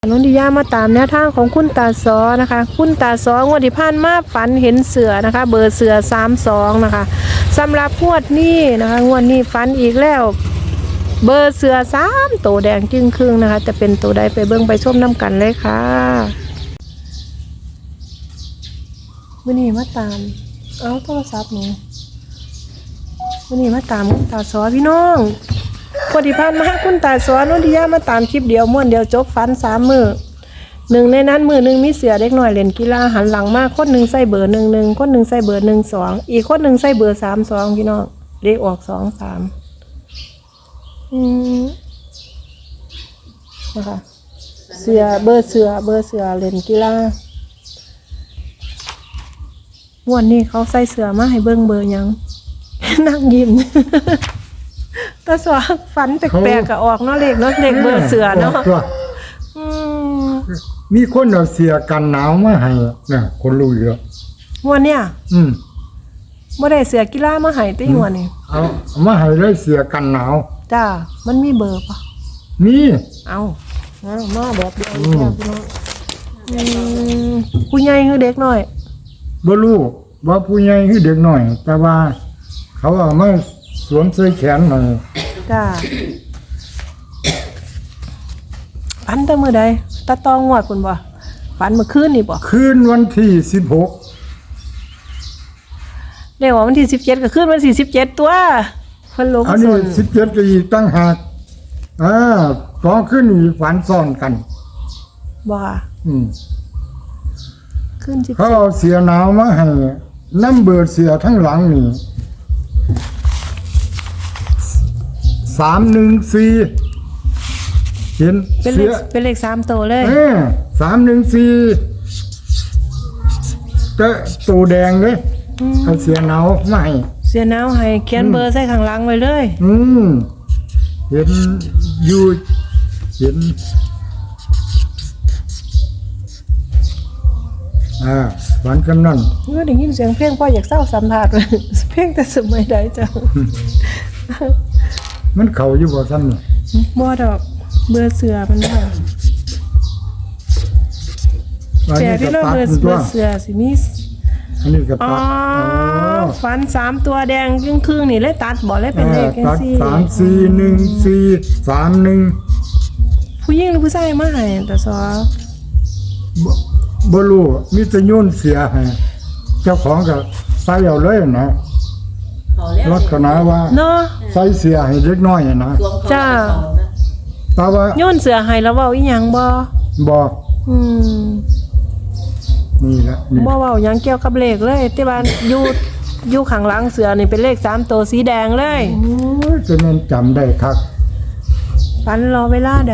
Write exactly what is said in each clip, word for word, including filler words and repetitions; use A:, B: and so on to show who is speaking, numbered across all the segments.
A: นนทิยามาตามแนวทางของคุณตาซอนะคะคุณตาซองวดที่ผ่านมาฝันเห็นเสือนะคะเบอร์เสือสามสองนะคะสำหรับงวดนี้นะคะงวดนี้ฝันอีกแล้วเบอร์เสือสามตัวแดงจึงครึ่งนะคะจะเป็นตัวใดไปเบิ่งไปชมน้ำกันเลยค่ะวันนี้มาตามเอาโทรศัพท์หนูวันนี้มาตามคุณตาซอพี่น้องปฏิพันธ์มาคุณตาสอนนนทิยามาตามคลิปเดียวม้วนเดียวจบฟันสามมือหนึ่งในนั้นมือหนึ่งมีเสือเล็กหน่อยเล่นกีฬาหันหลังมากคนหนึ่งใส่เบอร์หนึ่งหนึ่งคนหนึ่งใส่เบอร์หนึ่งสองอีกคนหนึ่งใส่เบอร์สามสองพี่น้องเลขออกสองสามอืมนะคะเสือเบอร์เสือเบอร์เสือเล่นกีฬาม้วนนี้เขาใส่เสือมาให้เบิ้งเบอร์ยัง นั่งยิ้มตาสวฝันแปลกๆก็ออกเนาะเลขเนาะเลขเบอร์เสือเนาะ
B: มีคนเอาเสียกันหนาวมาให้น่ะคนรู้เยอะ
A: วันเนี้ย
B: อืม
A: บ่ได้เสือกีฬามาให้ติหัวนี่
B: เอามาให้เลยเสียกันหนาว
A: จ้ามันมีเบอร์ปะ
B: มี
A: เอาเอามาแบบเดียวพี่น้องอืมผู้ใหญ่คือเด็กน้อย
B: บ่รู้ว่าผู้ใหญ่คือเด็กน้อยแต่ว่าเขาเอามาสวมใส่แขนหน่อย
A: จ้าฝันแต่มื้อใดตาตองงวดพุ่นบ่ฝันเมื่อคืนนี่บ่
B: คืนวันที่สิบหก
A: เรียกว่าวันที่สิบเจ็ดก็คืนวันที่สิบเจ็ดตัวเพิ่นลง
B: อันนี้สิบเจ็ดก็อีกตั้งหากอ่าสองคืนนี้ฝันซ้อนกัน
A: บ่
B: อืม
A: คืนสิบเจ็ด
B: เขาเอาเสียหนาวมาให้นำเบิดเสียทั้งหลังนี่สามหนึ่งสี่เห็น
A: เป็นเลขเป็นเลขสามตัวเลย
B: เออสามหนึ่งสี่แต่ตัวแดงเลยเอาเสียหนาวมาให้
A: เสียหนาวให้เขียนเบอร์ใส่ข้างหลังไว้เลย
B: อืมเห็นอยู่เห็นอ่าฝันกำนัน
A: เมื่อได้ยินเสียงเพลงพ่ออยากเศร้าสัมผัสเลยเพลงแต่สมัยใดจัง
B: มันเข่าอยู่บ่ซ้ำนี่
A: บ่ดอกเบอร์เสือมันค่ะแต่ที่เราเบอร์เบอร์เสือสิมี
B: อันนี้ก็ตัด
A: ฟันสามตัวแดงครึ่งครึ่งนี่เลยตัดบ่เลยเป็นเลขกันสี่
B: สามสี่หนึ่งสี่สามหนึ่ง
A: ผู้หญิงหรือผู้ชายมาให้แต่ซอ
B: บ่รู้มีแต่โยนเสียให้เจ้าของก็ใส่เอาเลยนะลักษณะว่า
A: เนาะ
B: ใส่เสียให้เล็กน้อยนะ
A: จ้า
B: แต่ว่า
A: โยนเสือให้แล้วเว้าอีหยังบ่
B: บ่
A: อืม
B: นี่แหละ
A: บ่เว้าหยังเกี่ยวกับเลขเลยแต่ว่าอยู่อยู่ข้างหลังเสือนี่เป็นเลขสามตัวสีแดงเลย
B: โอ้ยจะแม่นจำได้คัก
A: ฝันรอเวลาใด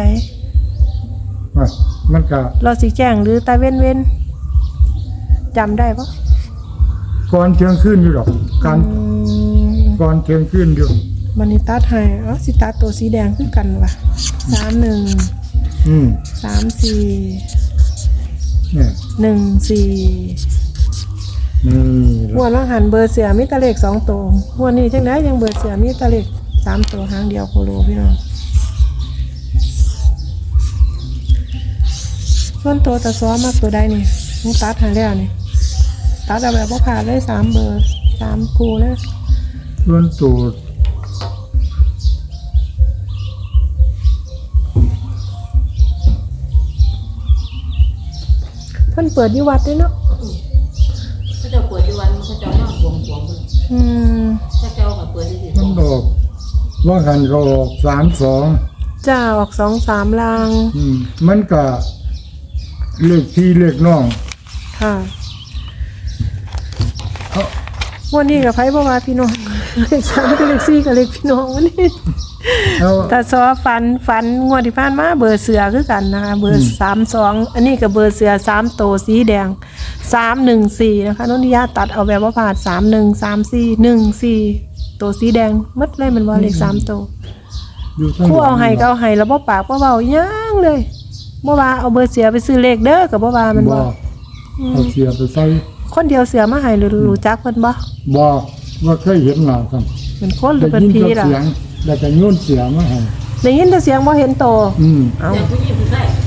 B: มันก็
A: รอสิแจ้งหรือตาเว้นเว้นจำได้ปะ
B: ก่อนเที่ยงคืนอยู่หรอกการก่อนเที่ยงคืนอยู่
A: มันนี่ตัดให้อ๋อสิตัดตัวสีแดงคือกันว่ะสามหนึ่ง
B: อืม
A: สามสี่
B: เนี่ย
A: หนึ่งสี่
B: นี่
A: หัวล่างหันเบอร์เสือมีตะเลขสองตัวหัวนี้จังได้ยังเบอร์เสือมีตะเลขสามตัวหางเดียวโคโลพี่น้องส่วนตัวตะซ้อมากตัวใดนี่มึงตัดหาแล้วนี่ตัดเอาแบบว่าผ่านเลยสามเบอร์สามคูเลย
B: ส่วนตัว
A: เพิ่นเปิดที่วัดด้วยเนาะ
C: เขาจะเปิดที่วัดเขาจะมาบวงบวงเลย
A: อืม
C: เขาจะมาเปิดที่
B: มันบอกว่าหันก็ออกสามสอง
A: จ้าออกสองสามลาง
B: อืมมันก็เลขที่เลขน้อง
A: ค่ะวันนี้กับไพ่บ่ว่าพี่น้องเลขสามกับเลขสี่กับเลขพี่น้องวันนี้แต่ซอฟันฟันงวดที่ผ่านมาเบอร์เสือคือกันนะคะเบอร์สามสองอันนี้กับเบอร์เสือสามโตสีแดงสามหนึ่งสี่นะคะนนทิยาตัดเอาแบบว่าผ่านสามหนึ่งสามสี่หนึ่งสี่โตสีแดงมัดเลยมันว่าเลขสามโตคู่เอาไห้ก็เอาไห้แล้วบ่ปากบ่เบาย่างเลยบ่ว่าเอาเบอร์เสือไปซื้อเลขเด้อกับบ่ว่ามันบ่
B: เอาเสือไปใส่
A: คนเดียวเสือมาให้หรือรู้จักเพิ่นบ่
B: บ่ว่าเคยเห็นหน้ากัน
A: เป็นคนหรือเป็นผีล่ะ
B: แล้วก็โยนเสือมาให้
A: ได้ยินแต่เสียงบ่เห็นโต
B: อืม
A: เอา
C: ผู้หญิงผู้ชาย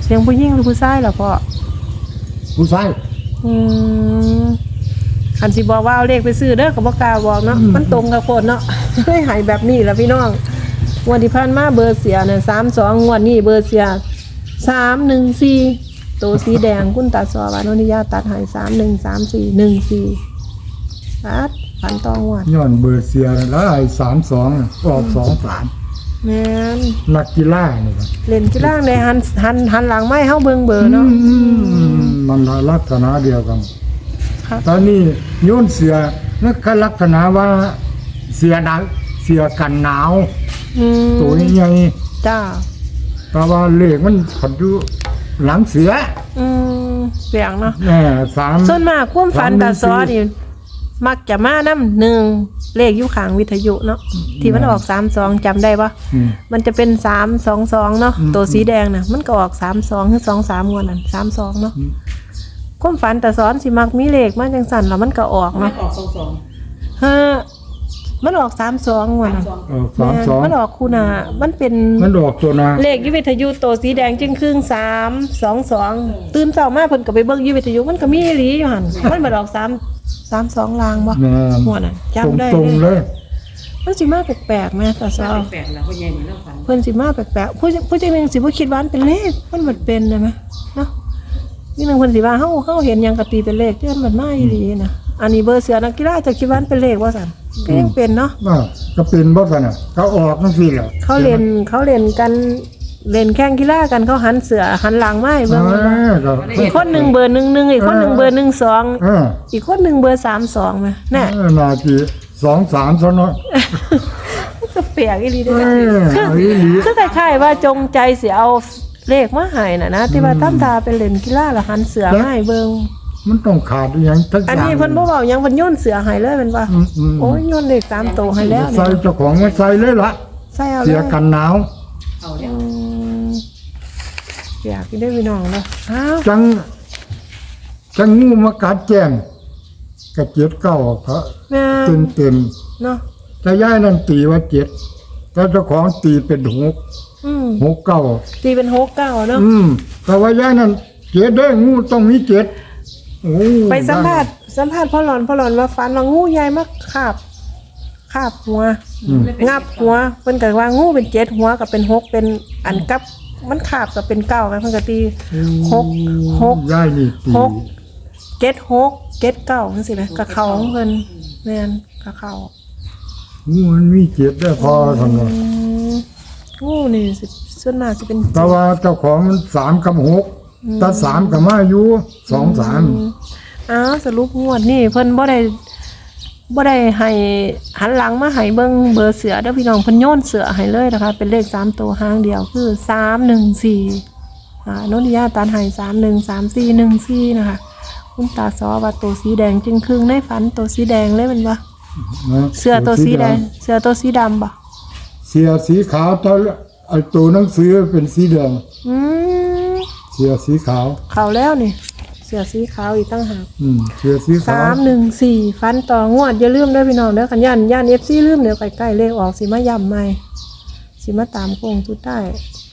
A: เสียงผู้หญิงหรือผู้ชายล่ะพ่อ
B: ผู้ชาย
A: อืมคันสิบอกว่าเอาเลขไปซื้อเด้อก็บ่กล้าบอกเนาะมันตรงกับคนเนาะ ให้หายแบบนี้ล่ะพี่น้องงวดที่ผ่านมาเบอร์เสียเนี่ยสามสองงวดนี้เบอร์เสียสามหนึ่งสี่ตัวสีแดงคุณตาซอวานนิยาตัดใหายสามหนึ่งสามสี่หนึ่งสี่ตัดฝันตองวด
B: ย้อนเบอร์เสียแล้วไอ้สามสองออกสองสาม
A: แม่น
B: นักกีฬานี่ครับ
A: เล่นกีฬาในหันหันหันหลังไม่เฮาเบิ่งเบอร์เนาะ
B: อืมมันลักษณะเดียวกัน
A: ครับ
B: ตอนนี้โยนเสียนั่นก็ลักษณะว่าเสียหนาวเสียกันหนาว
A: อืม
B: ตัวใหญ่
A: จ้า
B: แต่ว่าเลขมันผัดอยู่หลังเสีย
A: อืมเปียงเนาะ
B: แน่สาม
A: ส่วนมากความฝันตาซอนี่มักจะมาน้ำหนึ่งเลขอยู่ข้างวิทยุเนาะที่มันออกสามสองจำได้ปะ
B: อืม
A: มันจะเป็นสามสองสองเนาะ
B: อืม
A: ตัวสีแดงน่ะมันก็ออกสามสองหรือสองสามงวดนั่นสามสองเนาะ
B: อืม
A: ความฝันตาซ้อนสิมักมีเลขมาจังสันแล้วมันก็ออก
C: ไม่
A: เนาะ
C: ออกสองสอง
A: ฮะมันออกสามสองงวดนั่น
C: สอง
B: เออสามสอง
A: มันออกคูนามันเป็น
B: มันออกตัวนา
A: เลขอยุวิทยุตัวสีแดงจึงครึ่งสามสองสองตื่นเช้ามาเพิ่นก็ไปเบิ่งอยุวิทยุมันก็มีอีหลีอยู่หั่นมันมาออกสามสามสองลางบ่
B: แม่น
A: หัวน่ะ
B: ตรง
A: จำได้
B: ตรงๆ
A: เล
B: เลย ย
A: มันสิมาแปลกๆแม่ตาซอ
C: แปลกๆแล้วพ่อใหญ่เหมือนเราฝัน
A: เพิ่นสิมาแปลกๆผู้ผู้จังหนึงสิบ่คิดว่ามันเป็นเลขมันบ่เป็นได้ไหมเนาะนี่นึงเพิ่นสิว่าเฮาเฮาเห็นหยังก็ตีเป็นเลขที่มันบ่มาอีหลีนะอันนี้เบอร์เสือนักกีฬาจะคิดว่ามันเป็นเลขบ่ซั่นก็ยังเป็นเนาะ
B: ว่าก็เป็นบ่ซั่นน่ะก็ออกจังซี่แหละ
A: เขาเล่นเขาเล่นกันเล่นแข่งกีฬากันเขาหันเสือหันหลังมาให้
B: เอ
A: เบิ่ง
B: อก็
A: อีกคนหนึ่งเบอร์หนึ่งหนึ่งอีกคนหนึ่งเบอร์หนึ่งสอง
B: เออ
A: อีกคนหนึ่งเบอร์สามสองไหมน่ะ
B: เออนาทีสองสามซะเนาะ
A: ก็เปียกอีหลี
B: เอ
A: เด้อ
B: อ
A: คือ
B: เอาอีหลี
A: คือคล้ายๆว่าจงใจสิเอาเลขมาให้น่ะนะที่ว่าตั้มตาเป็นเล่นกีฬาแล้วหันเสือมาให้เบิ่ง
B: มันต้องขาดอหยังทักอย่าง
A: อันนี้เพิ่นบ่เว้าหยังเพิ่นโยนเสือให้เลยแม่นว่า
B: อืมอืม
A: โอ้ยโยนเลขสามตัวให้แล้ว
B: ใส่
A: เนี่ย
B: เจ้าของมาใส่เลยล่ะ
A: ใส่เอาเล
B: เสีย
A: ย
B: กันหนาว
C: เอาแล้
A: อื
C: ว
A: มอยากกินได้พี่น้องเนาะอ้าว
B: จังจังงูมากัดแจ้งกระเจ็ดเก้าพระ
A: แม่
B: เต็มเต็ม
A: เนาะ
B: ๆแต่ย่ายนั่นตีว่าเจ็ดแต่เจ้าของตีเป็นหก
A: อืม
B: หกเก้า
A: ตีเป็นหกเก้าเนาะ
B: อืมแต่ว่าย่ายนั่นเจ็ดได้งูต้องมีเจ็ดโอ้
A: ไปสัมภาษณ์สัมภาษณ์พ่อหลอนพ่อหลอนว่าฟันว่างูใหญ่มากคาบคาบหัว
B: อืม
A: งับหัวเพิ่นก็ว่างูเป็นเจ็ดหัวกับเป็นหกเป็นอันกับมันคาบกับเป็นเก้ากันเพิ่นก็ตีหกหก
B: ย่ายนี่ตี
A: หกเจ็ดหกเจ็ดเก้าจังซี่นะกับเขาของเพิ่นแม่นกับเขา
B: งูมันมีเจ็ดได้พอทำไง
A: อืมงูนี่สิส่วนมากสิเป็น
B: แต่ว่าเจ้าของมันสามกับหกแต่สามกับมาอยู่สองสาม
A: อ้าวสรุปงวดนี่เพิ่นบ่ได้บ่ได้ให้หันหลังมาให้เบิ่งเบอร์เสือเด้อพี่น้องเพิ่นโยนเสือให้เลยนะคะ เป็นเลขสามตัวหางเดียวคือสามหนึ่งสี่อ่าโนนิยาตันให้สามหนึ่งสามสี่หนึ่งสี่นะคะ คุณตาซอว่าตัวสีแดงจึงครึ่งในฝันตัวสีแดงเลยแมันบ่
B: นะ
A: เสื้อตัวสีแดงเสื้อตัวสีดำบ่
B: เสียสีขาวแต่ไอ้ตัวหนังสือเป็นสีแดง
A: อืม
B: เสียสีขาว
A: เข้าแล้วนี่เสื้อสีขาวอีกตั้งหาก
B: อืมเสียสีขาว
A: สามหนึ่งสี่ฟันต่องวดอย่าลืมเด้อพี่น้องเด้อคันย่านย่าน เอฟ ซี ลืมเดี๋ยวใกล้ๆเลขออกสิมาย้ำใหม่สิมาตามโค้งสุดท้าย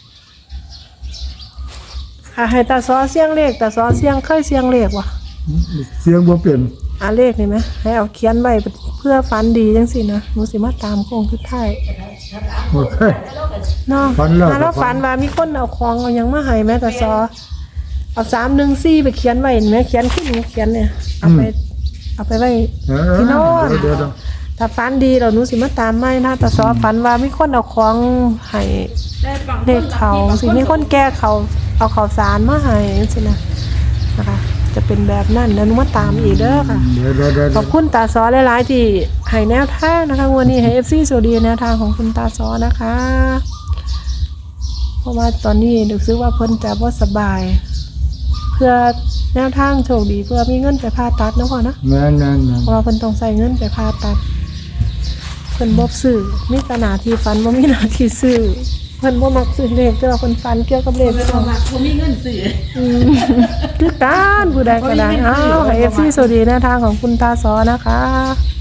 A: ค่ะให้ตาซอเสียงเลขตาซอเสียงเคยเสียงเลขวะ
B: เสียงบ่เป็น
A: อ่าเลขนี่ไหมให้เอาเขียนไว้เพื่อฟันดีจังสินะหนูสิมาตามโค้งสุดท้าย
B: โอเค
A: เนาะ
B: ฝันแล้ว
A: อ่าแล้ว
B: ก็ฝั
A: ฝั
B: น
A: นว่ามีคนเอาของเอาหยังมาให้แม่ตาซอเอาสามหนึ่งสี่ไปเขียนไว้เห็นไหมเขียนขึ้นหนูเขียนเนี่ยเอาไปเอาไปไว้
B: เออ
A: พี่โน้น
B: เดี๋ยวเดี๋ยว
A: ถ้าฝันดีเราหนูสิมาตามไม่นะแต่ซอฝันว่ามีคนเอาของให้เด็กเขาสิมีคนแก้เขาเอาข้าวสารมาให้สินะนะคะ จะเป็นแบบนั้นแล้วหนูมาตามอีกเด้อค่ะ
B: เดี๋ยวเดี๋ยวเดี๋ยว
A: ขอบคุณตาซอหลายๆที่ให้แนวทางนะคะวันนี้ให้เอฟซีสวัสดีแนวทางของคุณตาซอนะคะ เพราะว่าตอนนี้รู้สึกว่าเพิ่นจะบ่สบาย เพื่อแนวทางโชคดีเพื่อมีเงินไปผ่าตัดนะพ่อนะ
B: แม่นแม่นแม่น
A: เพราะว่าเพิ่นต้องใส่เงินไปผ่าตัดเพิ่นบ่ซื้อมีแต่หน้าที่ฟันบ่มีหน้าที่ซื้อเพิ่นบ่มักซื้อเลขแต่ว่าเพิ่นฟันเกี่ยวกับเลข
C: ไม่
A: เนาะ
C: ว่าเขามีเงินซื้อ
A: อืมคือการผู้ใดก็ได้อ้าวให้ เอฟ ซี สวัสดีแนวทางของคุณตาซอนะคะ